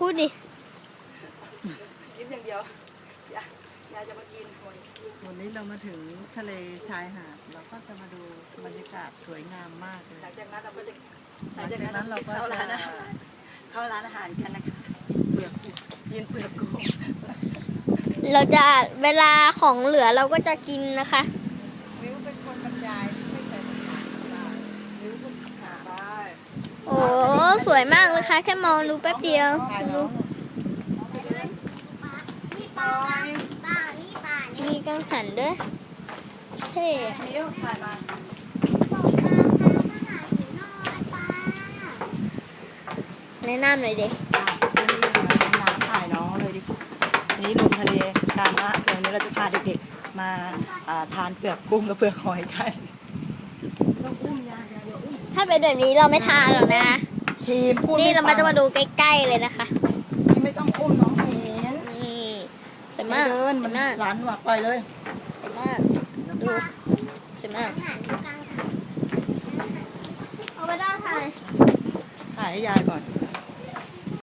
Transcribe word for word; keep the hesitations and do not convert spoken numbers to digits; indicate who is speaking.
Speaker 1: พูดดิ
Speaker 2: ยิ้มอย่างเดียวอย่าอย่าจะมากิน
Speaker 3: วันนี้เรามาถึงทะเลชายหาดเราก็จะมาดูบรรยากาศสวยงามมากเลย
Speaker 2: หลังจากนั้นเราก็จะ
Speaker 3: หลังจากนั้นเราก็
Speaker 2: เข้า
Speaker 3: จะ
Speaker 2: ร้านอาหารเข้าร้านอาหารกันนะคะเปลือกกินเปลือกกุ้ง
Speaker 1: เราจะเวลาของเหลือเราก็จะกินนะคะ
Speaker 3: วิวเป็นคนบรรยายไม่เคยบรรยายได้วิวก็หา
Speaker 2: ได้
Speaker 1: โอ้สวยมากเลยค่ะแค่มองดูแป๊บเดียว
Speaker 3: ถ่ายน้อง
Speaker 2: นี่ปลาปลานี่ปลา
Speaker 1: มีกังหันด้วยเท่
Speaker 2: นิ้วถ่ายมา
Speaker 1: แนะนำหน่อยดิ
Speaker 2: อ่ะนี่มาน้ำถ่ายน้องเลยดินี่ลงทะเลกันนะเดี๋ยวนี้เราจะพาเด็กๆมาอ่าทานเปลือกกุ้งกับเปลือกหอยกันต้องอุ้มยาเดี๋ยวอุ้ม
Speaker 1: ถ้าเป็นแบบนี้เราไม่ทานหรอกนะ
Speaker 2: ทีมพูด
Speaker 1: นี่
Speaker 2: ไฟั
Speaker 1: เรา
Speaker 2: ง
Speaker 1: มาจะมาดูใกล้ๆเลยนะคะ
Speaker 2: ทีมไม่ต้องอุ้มน้องเห็น
Speaker 1: นี่สวย
Speaker 2: ไม่
Speaker 1: มาก
Speaker 2: เดิน
Speaker 1: ส
Speaker 2: มั
Speaker 1: วน ยมาก
Speaker 2: หลานหวักปล่อยเลย
Speaker 1: สวยมากดูสวยมากเอาไปได้ค่ะ
Speaker 2: ถ่ายให้ยายก่อน